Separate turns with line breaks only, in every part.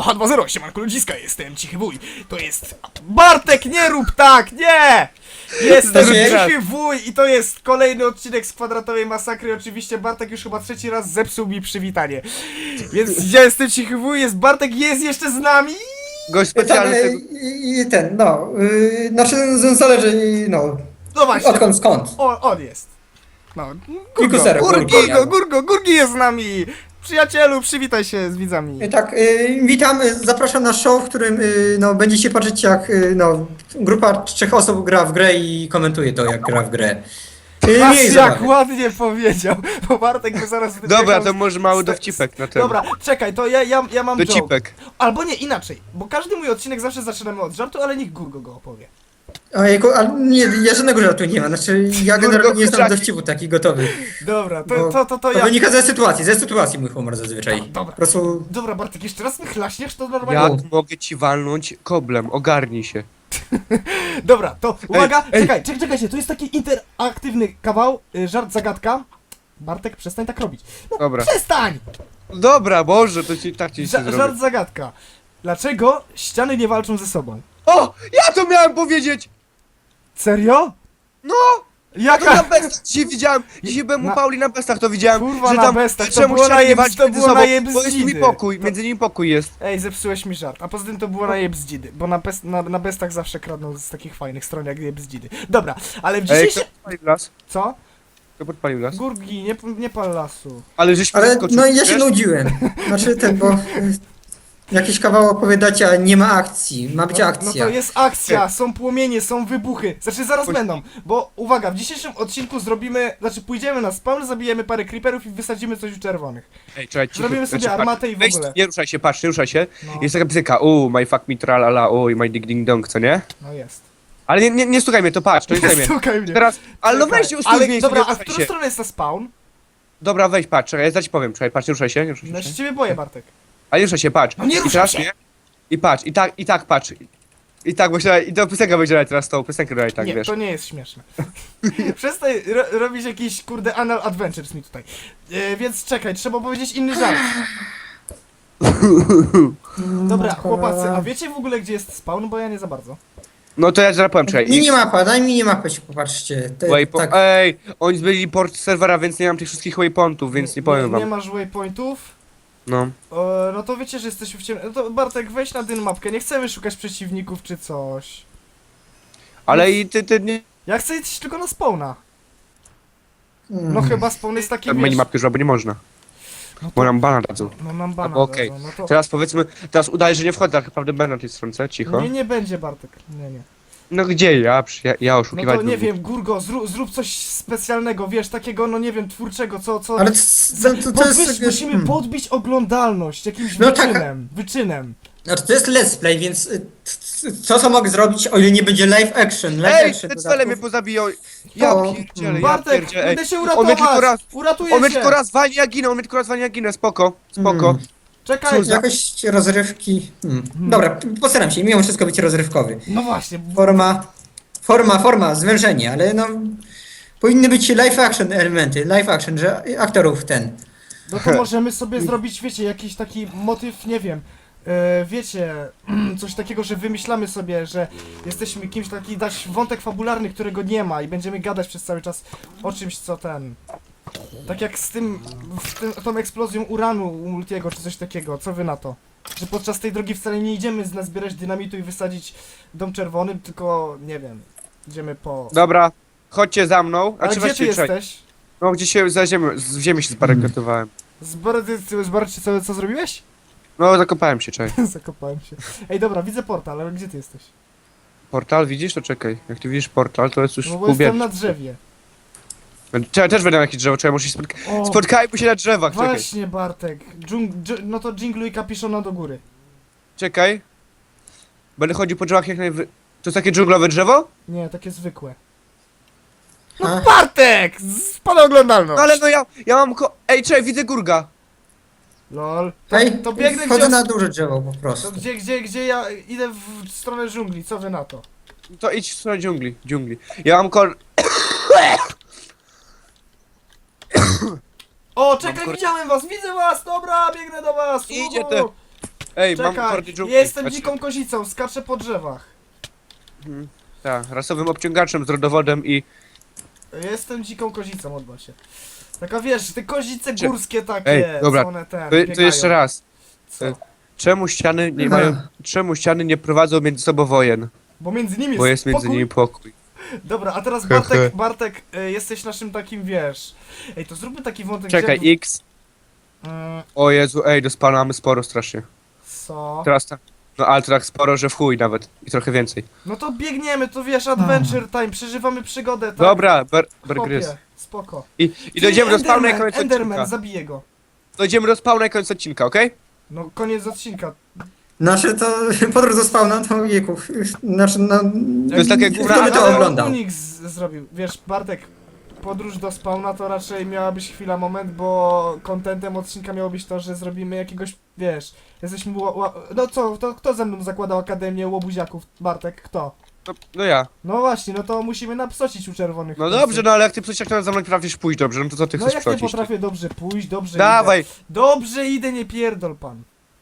H2.0, siemanko ludziska, jestem Cichy Wuj. To jest... Bartek, nie rób tak, nie! Jestem Cichy Wuj i to jest kolejny odcinek z Kwadratowej Masakry. Oczywiście Bartek już chyba trzeci raz zepsuł mi przywitanie. Więc ja jestem Cichy Wuj, jest Bartek, jest jeszcze z nami.
Gość specjalny.
Znaczy zależy,
No właśnie,
odkąd, skąd.
on jest. No,
Kusera,
Gurgi jest z nami. Przyjacielu, przywitaj się z widzami.
Tak, witam, zapraszam na show, w którym będziecie patrzeć jak grupa 3 osób gra w grę i komentuje to jak gra w grę.
Patrz
Mniej
jak
zabawy.
ładnie powiedział, bo Bartek by zaraz...
Dobra, to może mały dowcipek na ten.
Dobra, czekaj, to ja mam joke.
Dowcipek.
Albo nie, inaczej, bo każdy mój odcinek zawsze zaczynamy od żartu, ale niech Gurgo go opowie.
Ojejku, ale nie, ja żadnego żartu nie mam, znaczy ja generalnie nie znam
kurczaki.
dowcipów takich gotowych.
Dobra,
Bo
to ja...
wynika ze sytuacji mój humor zazwyczaj.
Dobra.
Po prostu...
Dobra, Bartek, jeszcze raz mi chlaśniesz, to normalnie...
Jak mogę ci walnąć koblem? Ogarnij się.
Dobra, to uwaga,
ej.
czekajcie, to jest taki interaktywny kawał, żart, zagadka. Bartek, przestań tak robić. No,
Dobra.
przestań!
Dobra, Boże, to ci tak ci się zrobi.
Żart, zagadka. Dlaczego ściany nie walczą ze sobą?
O! Ja to miałem powiedzieć!
Serio?
No! To
Jaka...
na bestach dzisiaj widziałem. Dzisiaj byłem u
Na-
Pauli na bestach, to widziałem.
Kurwa,
że
na
tam
bestach, to
czemu
było
ściany
na
nie walczą
to
między
było
sobą,
na jeb
bo jest mi
zdzidy.
pokój, między nimi pokój jest.
Ej, zepsułeś mi żart. A poza tym to było na jebzdzidy, bo na bestach zawsze kradną z takich fajnych stron jak jebzdzidy. Dobra, ale w
Ej,
dzisiejszym...
kto podpalił las?
Co?
Kto podpalił las?
Gurgi, nie pal lasu.
Ale żeśmy
Ale
zaskoczyli,
no ja się
wiesz?
nudziłem. Znaczy bo jakiś kawał opowiadacie, a nie ma akcji. Ma być
No
akcja.
to jest akcja, są płomienie, są wybuchy. Znaczy zaraz
Chodź.
będą, bo uwaga, w dzisiejszym odcinku pójdziemy na spawn, zabijemy parę creeperów i wysadzimy coś u czerwonych.
Ej, czekaj, cicho.
Zrobimy sobie
Znaczy,
armatę i w
weź,
ogóle.
nie ruszaj się, patrz, nie ruszaj się.
No,
Jest taka piosenka, my fuck me tralala, my dig ding dong, co nie?
no jest.
Ale nie stukaj mnie, to patrz, to nie stukaj mnie.
Stukaj mnie.
Teraz, ale no
Czekaj.
weź się ustój
Ale
w miejscu,
dobra,
nie
a w
ruszaj
którą
się.
stronę jest ta spawn?
Dobra, weź, patrz, czekaj, ja ci powiem, czekaj, patrz, nie ruszaj się, nie ruszaj
No ja
się.
się ciebie boję, Bartek.
Ale nie ruszaj się, patrz.
No nie
I
ruszaj
teraz
się.
nie. I patrz, i tak patrz. I tak, bo się, i to piosenka będzie dalej teraz tą piosenkę dalej, tak,
Nie,
wiesz.
to nie jest śmieszne. Przestań robić jakiś kurde anal adventures mi tutaj. Więc czekaj, trzeba powiedzieć inny żart. Dobra, chłopacy, a wiecie w ogóle gdzie jest spawn? Bo ja nie za bardzo.
No to ja zaraz powiem, czekaj.
Minimapa, daj minimapę się popatrzcie.
Waypoint, ej, oni zbyli port serwera, więc nie mam tych wszystkich waypointów, więc nie powiem
Nie
wam.
masz waypointów?
No.
No to wiecie, że jesteśmy w ciemnym. No to Bartek, weź na dyn mapkę, nie chcemy szukać przeciwników czy coś.
Ale i ty nie...
Ja chcę iść tylko na spawna. No chyba spawn jest taki, wiesz...
Minimapki już, bo nie można.
No
Bo
to,
nam bana dadzą.
no nam bana
Albo okej.
dadzą, no to...
Teraz powiedzmy, teraz udaje, że nie wchodzę, tak naprawdę będę na tej stronce, cicho.
Nie będzie Bartek, nie.
No gdzie ja
No
oszukiwać
to nie
lubię.
wiem, Gurgo, zrób coś specjalnego, wiesz, takiego, no nie wiem, twórczego, co...
Ale to jest...
Musimy podbić oglądalność jakimś
No tak.
wyczynem.
Znaczy to jest let's play, więc co mogę zrobić, o ile nie będzie live action? Live
Ej,
action
te cele mnie pozabiją. Ja
O,
pierdzielę, ja
Bartek,
pierdzielę. Ej,
będę się
on mnie tylko
uratować!
raz,
Uratuję
on mnie
się!
tylko raz walnie, ja ginę, spoko.
Czekaj,
Jakoś rozrywki... Dobra, postaram się, mimo wszystko być rozrywkowy.
no właśnie,
Forma, zwężenie, ale no... Powinny być live action elementy, live action, że aktorów
no to możemy sobie zrobić, wiecie, jakiś taki motyw, nie wiem, wiecie, coś takiego, że wymyślamy sobie, że jesteśmy kimś taki, dać wątek fabularny, którego nie ma i będziemy gadać przez cały czas o czymś, co tak jak z tą eksplozją uranu u Multiego, czy coś takiego, co wy na to? Że podczas tej drogi wcale nie idziemy nazbierać dynamitu i wysadzić dom czerwony, tylko, nie wiem, idziemy po...
Dobra, chodźcie za mną.
Ale
Znaczy,
gdzie ty
właściwie, czekaj.
jesteś?
No gdzie się za ziemię, z ziemi się zbarykatowałem.
Zobaczcie co zrobiłeś?
No zakopałem się, czekaj.
Zakopałem się. Ej, dobra, widzę portal, ale gdzie ty jesteś?
Portal widzisz? To czekaj. Jak ty widzisz portal, to jest już
No
w
bo jestem
kubie.
na drzewie.
Czekaj, też będę na jakieś drzewo, czekaj, muszę się
O,
spotkajmy się na drzewach, czekaj.
właśnie Bartek. No to dżingluj kapiszona do góry.
Czekaj. Będę chodził po drzewach jak najwy... To jest takie dżunglowe drzewo?
Nie, takie zwykłe.
A.
No Bartek! Spada oglądalność!
No ale no ja mam Ej, czekaj, widzę Gurga.
Lol.
Ej,
To biegnę
wchodzę
gdzie...
na duże drzewo po
To
prostu.
gdzie ja idę w stronę dżungli, co wy na to?
To idź w stronę dżungli. Ja mam
O, czekaj, widziałem was, widzę was, dobra, biegnę do was!
Idzie
uhu.
te- Ej, mam
Czekaj,
kordy dżungli.
jestem
Znaczy,
dziką kozicą, skaczę po drzewach.
Tak, rasowym obciągaczem z rodowodem i...
Jestem dziką kozicą, odba się. Taka wiesz, te kozice
Cze-
górskie takie,
Ej, dobra,
co one ten,
To
biegają.
jeszcze raz.
Co?
Czemu ściany nie
Aha.
mają... Czemu ściany nie prowadzą między sobą wojen?
Bo między nimi
Bo jest między
pokój.
nimi pokój.
Dobra, a teraz
Hehe.
Bartek, jesteś naszym takim, wiesz... Ej, to zróbmy taki wątek,
Czekaj,
gdzie...
X. O Jezu, ej, do spawna mamy sporo strasznie.
Co?
Teraz tak. No ale to tak sporo, że w chuj nawet. I trochę więcej.
No to biegniemy, to wiesz, adventure time, przeżywamy przygodę, tak?
Dobra, Bear
Chłopie,
Grylls.
spoko.
I dojdziemy do spawna i
Enderman,
koniec
Enderman,
odcinka.
zabiję go.
Dojdziemy do spawna i koniec odcinka, okej?
No, koniec odcinka.
Nasze to podróż do spawna, to wieku. Znaczy, no...
To jest takie
Kto
góra-
by to
Ale
oglądał?
Unix zrobił. Wiesz, Bartek, podróż do spawna to raczej miała być chwila, moment, bo kontentem odcinka miało być to, że zrobimy jakiegoś, wiesz, jesteśmy... No co, to kto ze mną zakładał Akademię Łobuziaków? Bartek, kto?
No ja.
No właśnie, no to musimy napsocić u czerwonych.
No
w końcu.
dobrze, no ale jak ty przecież za mną potrafisz pójść dobrze, no to co ty
No
chcesz
jak nie
przecić?
potrafię dobrze pójść, dobrze
Dawaj,
idę. Dobrze idę, nie pierdol pan.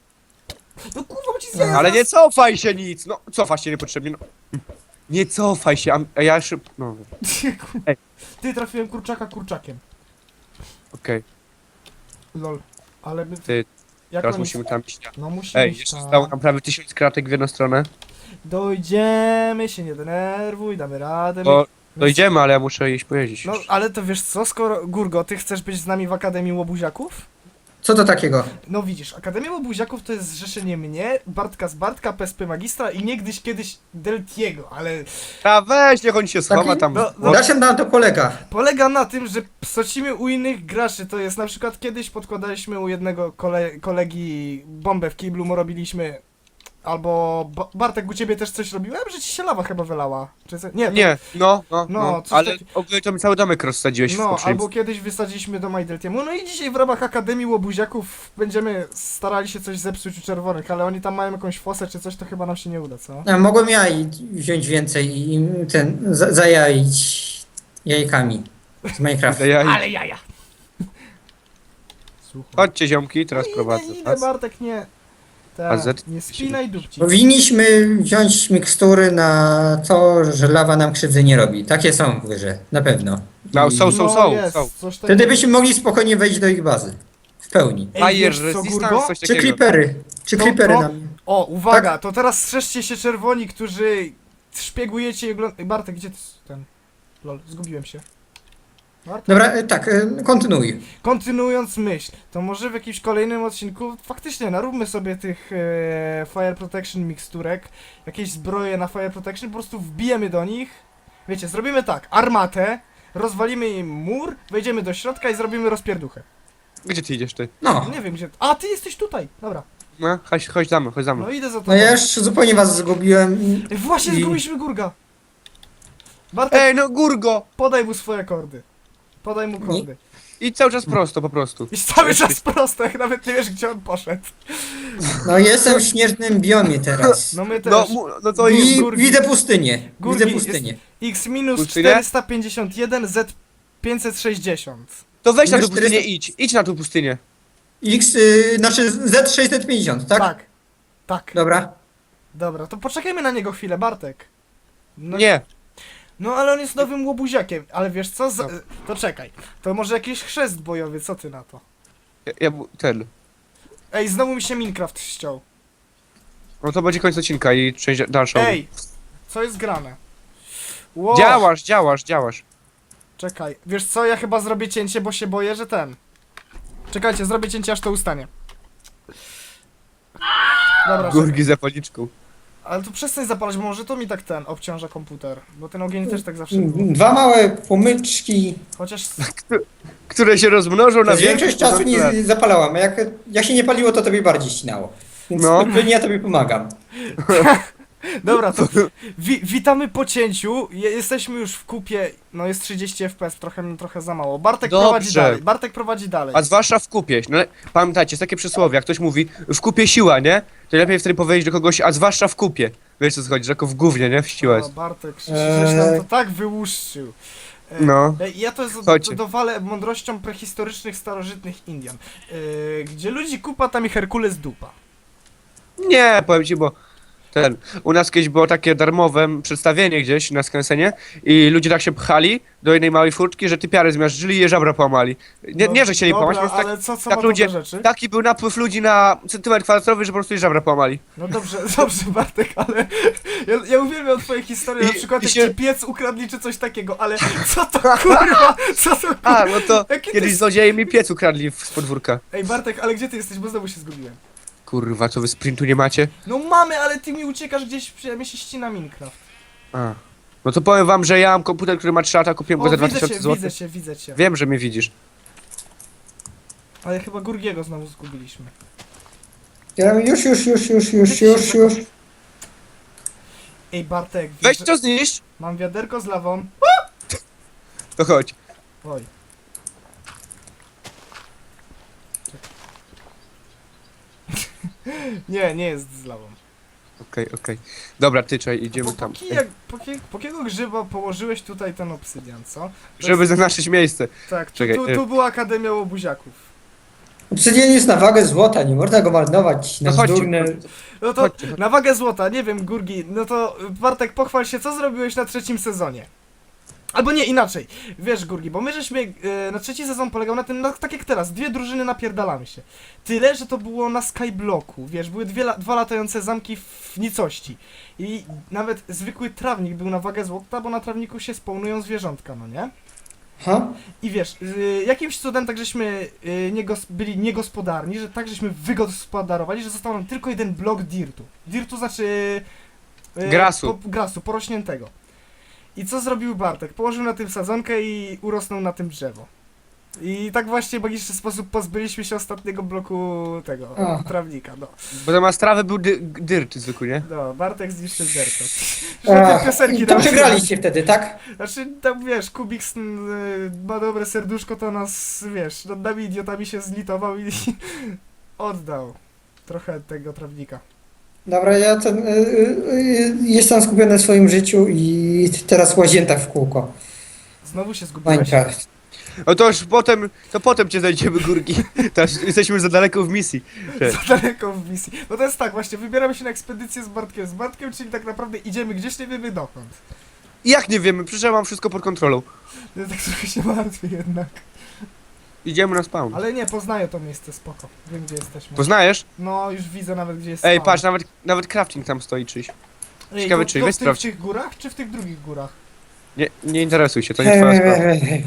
No kurwa, bo ci zjadę
ale nie cofaj się nic! No, cofaj się niepotrzebnie, no. Nie cofaj się, a ja szybko... No, Ej.
Ty, trafiłem kurczaka kurczakiem.
okej.
Lol. Ale my...
Ty,
Jak
teraz
oni-
musimy tam iść.
No musimy
Ej,
iść
jeszcze
tam.
zostało nam prawie 1000 kratek w jedną stronę.
Dojdziemy, się nie denerwuj, damy radę.
Bo dojdziemy, ale ja muszę iść pojeździć.
No, ale to wiesz co, skoro... Gurgo, ty chcesz być z nami w Akademii Łobuziaków?
Co to takiego?
No widzisz, Akademia Łobuziaków to jest zrzeszenie mnie, Bartka z Bartka, PSP Magistra i niegdyś kiedyś Deltiego, ale...
A weź, niech on się schowa
Taki-
tam.
no,
Na czym nam to polega?
Polega na tym, że psocimy u innych graczy, to jest na przykład kiedyś podkładaliśmy u jednego kolegi bombę w kiblu, mu robiliśmy... Albo Bartek, u ciebie też coś robiłem? Że ci się lawa chyba wylała. Czy co? Nie, to,
Nie, no,
coś
ale
taki-
ogólnie to mi cały domek rozsadziłeś w
No,
poprzednim.
albo kiedyś wysadziliśmy do Majdeltiemu. No i dzisiaj w ramach Akademii Łobuziaków będziemy starali się coś zepsuć u czerwonych, ale oni tam mają jakąś fosę czy coś, to chyba nam się nie uda, co?
Ja mogłem wziąć więcej i zajaić jajkami z Minecrafta.
Ale jaja! Słuchaj.
Chodźcie ziomki, teraz prowadzę
Idę,
was.
Bartek, nie.
AZ?
Nie spinaj dupci.
Powinniśmy wziąć mikstury na to, że lawa nam krzywdy nie robi. Takie są w grze, na pewno.
No,
I
są.
Jest, coś takiego.
Wtedy byśmy mogli spokojnie wejść do ich bazy. W pełni.
Ej,
Fire
wiesz co,
resistance,
Gurgo?
coś
Czy
takiego.
creepery? Czy
No,
creepery
no.
nam...
O, uwaga, to teraz strzeżcie się czerwoni, którzy szpiegujecie i oglądacie... Bartek, gdzie ty ten... Lol, zgubiłem się. Bartek?
Dobra, tak, kontynuuj.
Kontynuując myśl, to może w jakimś kolejnym odcinku faktycznie naróbmy sobie tych Fire Protection miksturek, jakieś zbroje na Fire Protection, po prostu wbijemy do nich. Wiecie, zrobimy tak, armatę, rozwalimy im mur, wejdziemy do środka i zrobimy rozpierduchę.
Gdzie ty idziesz ty?
No,
Nie wiem gdzie... A, ty jesteś tutaj! Dobra,
No, chodź za mną, chodź za mną.
no idę za tobą.
no ja już zupełnie was zgubiłem.
Ej, właśnie
I-
zgubiliśmy Gurga! Bartek,
Ej, no Gurgo!
podaj mu swoje kordy. Podaj mu kordy.
I cały czas prosto, po prostu.
I cały czas prosto, jak nawet nie wiesz gdzie on poszedł.
No jestem w śnieżnym biomie teraz.
No my też.
No to jest...
I
Gurgi.
widzę pustynię.
Gurgi,
Widzę pustynię.
X minus
Pustynię?
451, Z 560.
To weź na tą
Wiesz,
pustynię,
400
idź na tą pustynię.
Znaczy Z650, tak?
Tak. Tak.
Dobra.
Dobra, to poczekajmy na niego chwilę, Bartek. No,
Nie.
No ale on jest nowym łobuziakiem, ale wiesz co?
No.
To czekaj. To może jakiś chrzest bojowy, co ty na to?
Ten.
Ej, znowu mi się Minecraft ściął.
No to będzie koniec odcinka i część dalszą.
Ej, co jest grane? Wow.
Działasz.
Czekaj, wiesz co? Ja chyba zrobię cięcie, bo się boję, że ten. Czekajcie, zrobię cięcie, aż to ustanie. Dobra, czekaj.
Gurgi za policzką.
Ale to przestań zapalać, bo może to mi tak ten obciąża komputer. Bo ten ogień też tak zawsze było.
Dwa małe pomyczki.
Chociaż...
Które się rozmnożą na
Przez większość czasu
lat.
nie zapalałam, a jak się nie paliło, to tobie bardziej ścinało. Więc
No.
ja tobie pomagam.
Dobra, to witamy po cięciu. Jesteśmy już w kupie. No jest 30 FPS, trochę za mało. Bartek
Dobrze.
prowadzi dalej.
A zwłaszcza w kupie. No, pamiętajcie, jest takie przysłowie, jak ktoś mówi w kupie siła, nie? To lepiej wtedy powiedzieć do kogoś, a zwłaszcza w kupie. Wiesz co chodzi, że jako w gównie, nie? W siłę
O,
jest.
Bartek, żeś nam to tak wyłuszczył.
No.
Ja to
Chodźcie.
dowalę mądrością prehistorycznych, starożytnych Indian. Gdzie ludzi kupa, tam i Herkules dupa.
Nie, powiem ci, bo u nas kiedyś było takie darmowe przedstawienie gdzieś na Skansenie i ludzie tak się pchali do jednej małej furtki, że typiary zmiażdżyli i je żabra połamali. Nie, że chcieli
dobra,
połamać, po prostu
ale co
tak
ma to
ludzie,
do rzeczy?
taki był napływ ludzi na centymetr kwadratowy, że po prostu je żabra połamali.
No dobrze, dobrze Bartek, ale ja uwielbiam twoje historie, na
I-
przykład
i
jak
się-
ci piec ukradli czy coś takiego, ale co to kurwa, co to kurwa?
A, no to
Jaki
kiedyś
ty-
złodzieje mi piec ukradli z podwórka.
Ej Bartek, ale gdzie ty jesteś, bo znowu się zgubiłem.
Kurwa, co wy sprintu nie macie?
No mamy, ale ty mi uciekasz gdzieś, mnie się ścina Minecraft.
A. No to powiem wam, że ja mam komputer, który ma 3 lata, kupiłem go za
widzę
2000
cię,
zł.
widzę cię.
Wiem, że mnie widzisz.
Ale chyba Gurgiego znowu zgubiliśmy.
Już.
Ej Bartek,
Weź
wiesz,
to zniszcz!
mam wiaderko z lawą.
To chodź.
Oj. Nie jest z lawą.
Okej. Dobra, ty czekaj, idziemy tam.
Po jakiego grzyba położyłeś tutaj ten obsydian, co? To
Żeby
jest-
zaznaczyć miejsce.
Tak,
Czekaj,
tu była Akademia Łobuziaków.
Obsydian jest na wagę złota, nie można go marnować na
No chodźcie.
bzdurne...
No to
Chodźcie.
na wagę złota, nie wiem, Gurgi, no to Bartek, pochwal się, co zrobiłeś na trzecim sezonie? Albo nie, inaczej. Wiesz, Gurgi, bo my żeśmy, na trzeci sezon polegał na tym, tak jak teraz, dwie drużyny napierdalamy się. Tyle, że to było na Skyblocku, wiesz, były dwa latające zamki w nicości. I nawet zwykły trawnik był na wagę złota, bo na trawniku się spawnują zwierzątka, no nie?
Ha?
I wiesz, jakimś cudem tak żeśmy byli niegospodarni, że tak żeśmy wygospodarowali, że został nam tylko jeden blok dirtu. Dirtu znaczy...
Grasu.
Grasu, porośniętego. I co zrobił Bartek? Położył na tym sadzonkę i urosnął na tym drzewo. I tak właśnie w magiczny sposób pozbyliśmy się ostatniego bloku tego,
Ach.
trawnika, no.
Bo zamiast trawy był dyrt zwykły, nie?
No, Bartek zniszczył derto.
Ach,
piosenki
i to
nam-
przegraliście wtedy, tak?
Znaczy, tam wiesz, Kubik ma dobre serduszko, to nas, wiesz, nad nami idiotami się zlitował i oddał trochę tego trawnika.
Dobra, ja jestem skupiony na swoim życiu i teraz łazienta w kółko.
Znowu się zgubiłeś.
Minecraft.
No to już potem cię znajdziemy, Górki. Teraz jesteśmy za daleko w misji.
Za daleko w misji. No to jest tak, właśnie, wybieramy się na ekspedycję z Bartkiem. Z Bartkiem, czyli tak naprawdę idziemy gdzieś, nie wiemy dokąd.
I jak nie wiemy, przecież ja mam wszystko pod kontrolą.
Ja tak trochę się martwię jednak.
Idziemy na spawn.
Ale nie, poznaję to miejsce, spoko. Wiem, gdzie jesteśmy.
Poznajesz?
No, już widzę nawet, gdzie jest
Ej,
spawn.
patrz, nawet crafting tam stoi czyś.
Ej,
ciekawe,
to,
czy
to
weź
w tych,
sprawdź.
w tych górach, czy w tych drugich górach?
Nie interesuj się, to nie twoja sprawa.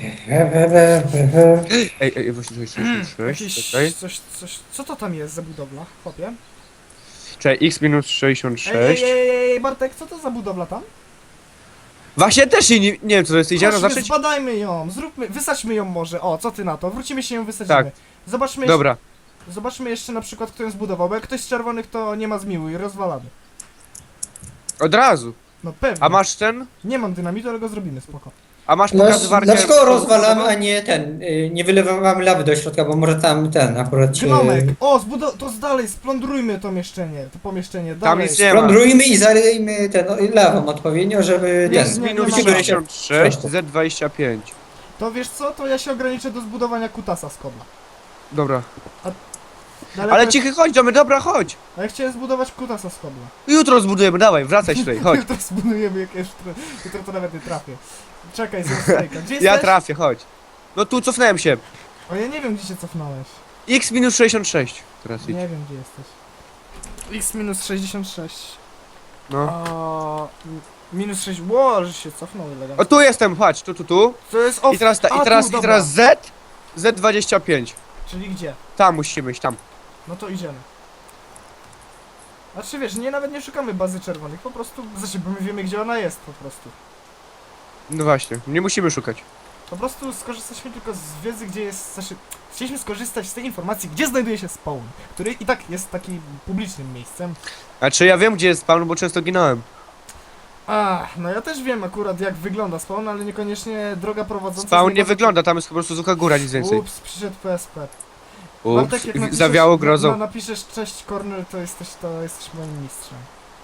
Ej, właśnie,
Jakieś
czekaj.
coś, co to tam jest za budowla, chłopie?
Czekaj, x minus 66.
Ej, Bartek, co to za budowla tam?
Właśnie też nie wiem co to jest, idziemy
Chodźmy,
zacząć?
zbadajmy ją, wysadźmy ją może, o, co ty na to? Wrócimy się ją wysadzimy.
Tak.
Zobaczmy
Dobra,
Zobaczmy jeszcze na przykład, kto ją zbudował, bo jak ktoś z czerwonych, to nie ma zmiłuj, rozwalamy.
od razu.
No pewnie.
A masz ten?
Nie mam dynamitu, ale go zrobimy, spoko.
A masz pokazywarkę?
Dlaczego rozwalamy, a nie nie wylewamy lawy do środka, bo może tam akurat się...
Gnomek! O, to dalej, splądrujmy to pomieszczenie,
Tam
dalej.
nic nie ma.
Plądrujmy i zalejmy lawą odpowiednio, żeby
Nie,
ten...
nie,
Minus
nie ma.
66, Z25.
To wiesz co, to ja się ograniczę do zbudowania kutasa z kobla.
Dobra.
Dalej
Ale
to-
cichy, chodź, dobra, chodź.
A ja chciałem zbudować kutasa z kobla.
Jutro zbudujemy, dawaj, wracaj tutaj, chodź.
To zbudujemy jakieś... Jutro to nawet nie trafię. Czekaj, zrób Gdzie jesteś?
Ja trafię, chodź. No tu cofnąłem się.
O, ja nie wiem, gdzie się cofnąłeś.
X minus 66. Teraz idź.
Nie wiem, gdzie jesteś. X minus 66.
No.
A, minus 6. Ło, że się cofnął elegancko.
O tu jestem, chodź, tu.
To jest off.
I teraz,
A, tu,
i
dobra.
teraz Z. Z25.
Czyli gdzie?
Tam musimy iść, tam.
No to idziemy. Znaczy wiesz, nawet nie szukamy bazy czerwonych, po prostu, znaczy, bo my wiemy, gdzie ona jest po prostu.
No właśnie, nie musimy szukać.
Po prostu skorzystaliśmy tylko z wiedzy, gdzie jest, znaczy, chcieliśmy skorzystać z tej informacji, gdzie znajduje się spawn, który i tak jest takim publicznym miejscem.
Znaczy ja wiem gdzie jest spawn, bo często ginąłem.
No ja też wiem akurat jak wygląda spawn, ale niekoniecznie droga prowadząca...
Spawn
z
nie
niego-
wygląda, tam jest po prostu sucha góra, nic więcej.
Ups, przyszedł PSP.
Ups,
Bartek, jak napiszesz,
zawiało grozą.
napiszesz cześć Corner, to jesteś moim mistrzem.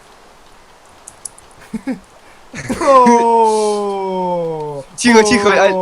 O,
Cicho, ale-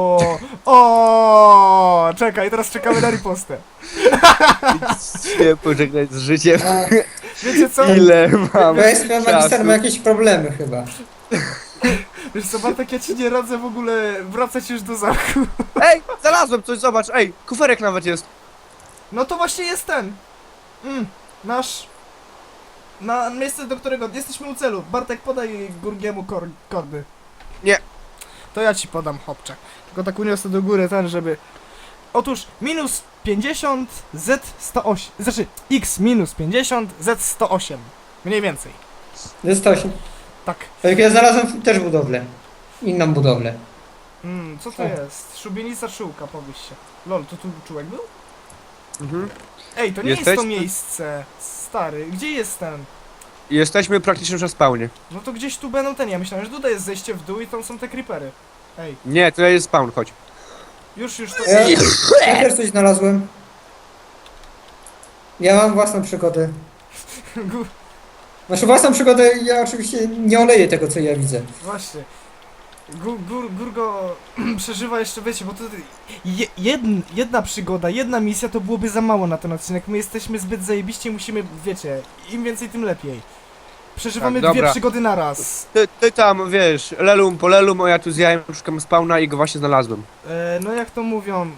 O, czekaj, teraz czekamy na ripostę.
Nie pożegnać z życiem.
Wiecie co?
Ile mam
Westman Magister
czasu?
ma jakieś problemy chyba.
Wiesz co, Bartek, ja ci nie radzę w ogóle wracać już do zamku.
Ej, znalazłem coś, zobacz, ej, kuferek nawet jest.
No to właśnie jest ten. Nasz... Na miejsce, do którego jesteśmy u celu. Bartek, podaj Gurgiemu kordy.
Nie.
To ja ci podam, chłopcze. Tylko tak uniosę do góry ten, żeby... Otóż minus 50 Z108. Znaczy X minus 50 Z108. Mniej więcej.
Jest 8.
Tak.
Tak, ja znalazłem też budowlę. Inną budowlę.
Co to jest? Szubienica szyłka, powiedz się. Lol, to tu czułek był?
Mhm.
Ej, to nie jest
Jesteś?
to miejsce. Stary, gdzie jest ten?
Jesteśmy praktycznie już na spawnie.
No to gdzieś tu będą ten, ja myślałem, że tutaj jest zejście w dół i tam są te creepery. Ej,
Nie, to jest spawn, chodź.
już to...
Ja też coś znalazłem. Ja mam własną przygodę.
Gu-
Znaczy własną przygodę, ja oczywiście nie oleję tego, co ja widzę.
Właśnie. Gurgo przeżywa jeszcze, wiecie, bo to jedna przygoda, jedna misja to byłoby za mało na ten odcinek. My jesteśmy zbyt zajebiści, musimy, wiecie, im więcej tym lepiej. Przeżywamy
Tak,
dwie
dobra.
przygody na raz.
Ty tam, wiesz, lelum po lelum, a ja tu z jajem szukam spawna i go właśnie znalazłem.
No jak to mówią,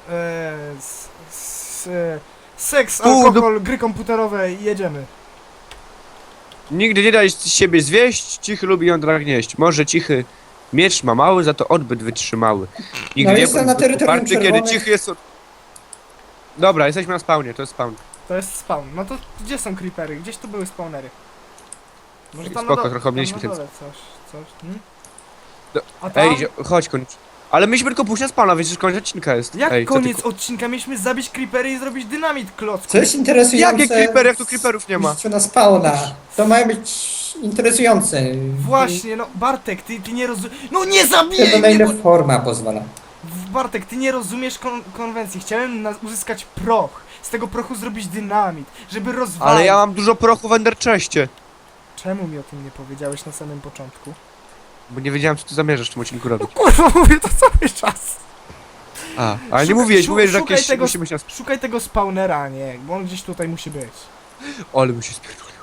seks,
Tu,
alkohol, gry komputerowe i jedziemy.
Nigdy nie daj z siebie zwieść, cichy lubi jądra gnieść. Może cichy miecz ma mały, za to odbyt wytrzymały. Nigdy
No
nie
jestem na terytorium
uparty, kiedy
czerwonych.
cichy jest... Dobra, jesteśmy na spawnie, to jest spawn.
To jest spawn. No to gdzie są creepery? Gdzieś tu były spawnery. Może tam
Spoko,
na dole,
trochę
tam
mieliśmy
na
ten-
dole coś.
Do-
A tam?
Ej, chodź koniec. Ale myśmy tylko pójść na spawna, więc już koniec odcinka jest.
Jak
Ej, co
koniec
ty...
odcinka mieliśmy zabić creepery i zrobić dynamit klocku.
Co jest interesujące...
Jakie creepery, jak tu creeperów nie ma?
Mistrzu na spawna. To mają być interesujące.
Właśnie, no Bartek, ty nie rozumiesz. No nie
Tylko
zabijaj
na
mnie!
ile
Bo...
forma pozwala.
Bartek, ty nie rozumiesz konwencji. Chciałem uzyskać proch. Z tego prochu zrobić dynamit, żeby rozwalić.
Ale ja mam dużo prochu w enderchestie.
Czemu mi o tym nie powiedziałeś na samym początku?
Bo nie wiedziałem, co ty zamierzasz w tym odcinku robić.
Kurwa, mówię to cały czas.
Ale nie mówiłeś, mówiłeś, że
szukaj
jakieś...
tego,
Musimy się...
szukaj tego spawnera, nie? Bo on gdzieś tutaj musi być.
Ale mi się spierdolił.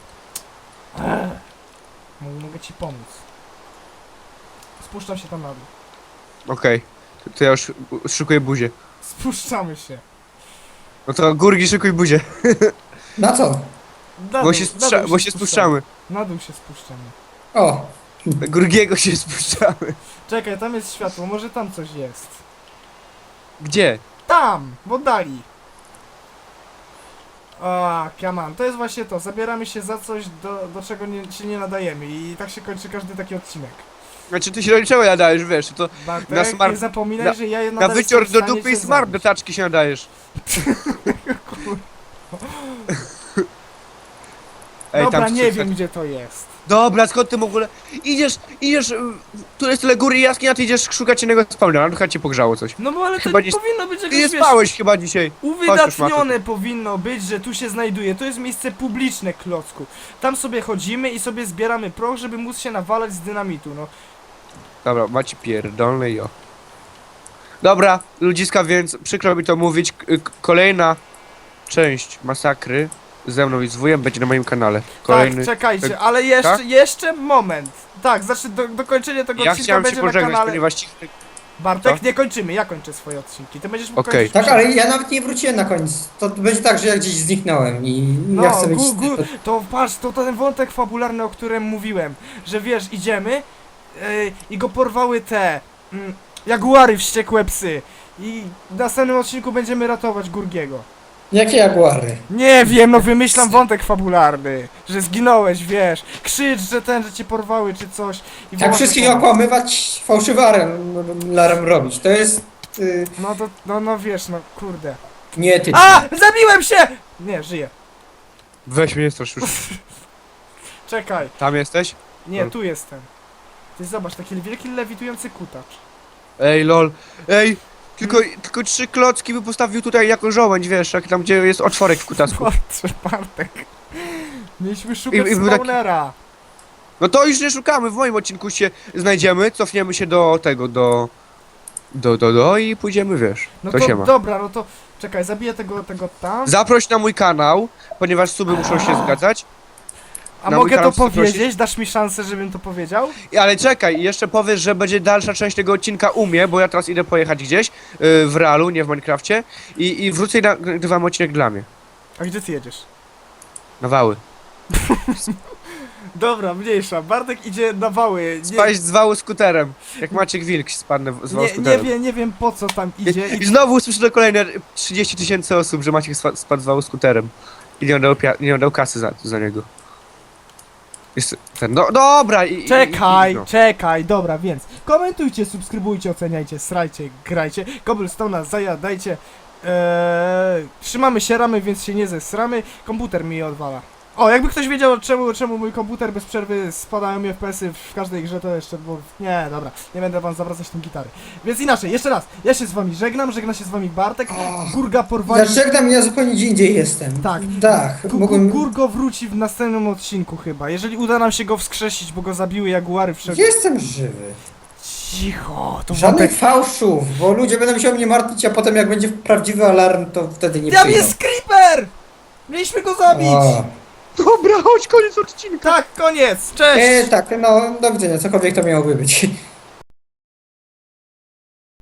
Mogę ci pomóc. Spuszczam się tam na dół.
Okej. To ja już szykuję buzię.
Spuszczamy się.
No to Gurgi, szykuj buzię.
Na co?
Na
Bo
dół,
się,
na dół
bo się spuszczamy.
Na dół się spuszczamy.
O,
Gurgiego się spuszczamy.
Czekaj, tam jest światło, może tam coś jest.
Gdzie?
Tam! W oddali. A, come on. To jest właśnie to. Zabieramy się za coś, do czego się nie nadajemy. I tak się kończy każdy taki odcinek.
Znaczy ty się do niczego nadajesz, wiesz, to
Bartek,
Na smar-
nie zapominaj,
na-
że ja
na wycior
jestem
do
w stanie
dupy i
cię
smart do
zabić.
taczki się nadajesz. Ej,
Dobra,
tu
nie
są-
wiem gdzie to jest.
Dobra, skąd ty w ogóle... Idziesz, tu jest tyle góry i jaskini, a ty idziesz szukać innego spawna, no chyba cię pogrzało coś.
No bo ale to
Chyba nie-
powinno być
Ty
jakoś,
nie
wiesz,
spałeś chyba dzisiaj.
uwydatnione powinno być, że tu się znajduje. To jest miejsce publiczne, klocku. Tam sobie chodzimy i sobie zbieramy proch, żeby móc się nawalać z dynamitu, no.
Dobra, macie pierdolne jo. Dobra, ludziska, więc przykro mi to mówić, kolejna część masakry ze mną i z wujem będzie na moim kanale. Kolejny...
Tak, czekajcie, ale jeszcze,
tak?
jeszcze moment. Tak, znaczy dokończenie tego
Ja
odcinka
chciałem się
będzie na
pożegnać,
kanale.
ponieważ cichy...
Bartek,
Co?
nie kończymy, ja kończę swoje odcinki. Ty będziesz mógł
Okej.
kończyć.
tak, ale ja nawet nie wróciłem na koniec. To będzie tak, że ja gdzieś zniknąłem i ja chcę mieć...
To patrz, to ten wątek fabularny, o którym mówiłem, że wiesz, idziemy i go porwały te jaguary, wściekłe psy. I w następnym odcinku będziemy ratować Gurgiego.
Jakie jaguary?
Nie wiem, no wymyślam wątek fabularny, że zginąłeś, wiesz, krzycz, że cię porwały czy coś. I
Tak
wołasz
wszystkich
o pomoc.
okłamywać, fałszywarem robić. To jest...
No to, no wiesz, no kurde.
nieetyczne.
A! Zabiłem się! Nie, żyję.
Weź mnie, nie strasz już.
Czekaj.
Tam jesteś?
Nie, tu jestem. Ty zobacz, taki wielki lewitujący kutacz.
Ej, lol. Ej, tylko 3 klocki by postawił tutaj jako żołędź, wiesz, jak tam gdzie jest otworek w kutasku.
Patrz, Bartek. Mieliśmy szukać
I był taki-
spawnera.
No to już nie szukamy, w moim odcinku się znajdziemy, cofniemy się do tego, do i pójdziemy, wiesz,
No
to
to
się ma.
dobra, no to czekaj, zabiję tego tam.
Zaproś na mój kanał, ponieważ suby muszą się zgadzać.
A
na mój
mogę to
kanał chcesz zaprosić?
powiedzieć? Dasz mi szansę, żebym to powiedział?
Ale czekaj, jeszcze powiesz, że będzie dalsza część tego odcinka u mnie, bo ja teraz idę pojechać gdzieś w realu, nie w Minecrafcie i wrócę i nagrywam odcinek dla mnie.
A gdzie ty jedziesz?
Na wały.
Dobra, mniejsza. Bartek idzie na wały.
Spaść z wału skuterem. Jak Maciek Wilk spadnę z wału skuterem.
Nie wiem po co tam idzie.
I znowu usłyszę to kolejne 30 000 osób, że Maciek spadł z wału skuterem. I nie dał kasy za niego. Jest ten, no dobra
Czekaj, dobra, więc komentujcie, subskrybujcie, oceniajcie, srajcie, grajcie. Cobblestone zajadajcie. Trzymamy się ramy, więc się nie zesramy. Komputer mi odwala. O, jakby ktoś wiedział czemu mój komputer bez przerwy spadają mi FPS-y w każdej grze, to jeszcze, bo... Nie, dobra, nie będę wam zawracać tym gitary. Więc inaczej, jeszcze raz, ja się z wami żegna się z wami Bartek, Gurga porwali...
Żegnam, ja zupełnie gdzie indziej jestem.
Tak.
Tak, mogłem...
Gurgo wróci w następnym odcinku chyba, jeżeli uda nam się go wskrzesić, bo go zabiły jaguary wszędzie.
Jestem żywy.
Cicho, to
Żadnych
wątek...
fałszów, bo ludzie będą się o mnie martwić, a potem jak będzie prawdziwy alarm, to wtedy nie
Tam
przyjdą.
jest creeper! Mieliśmy go zabić!
O.
Dobra, chodź, koniec odcinka.
Tak, koniec, cześć!
Tak, no do widzenia, cokolwiek to miałoby być.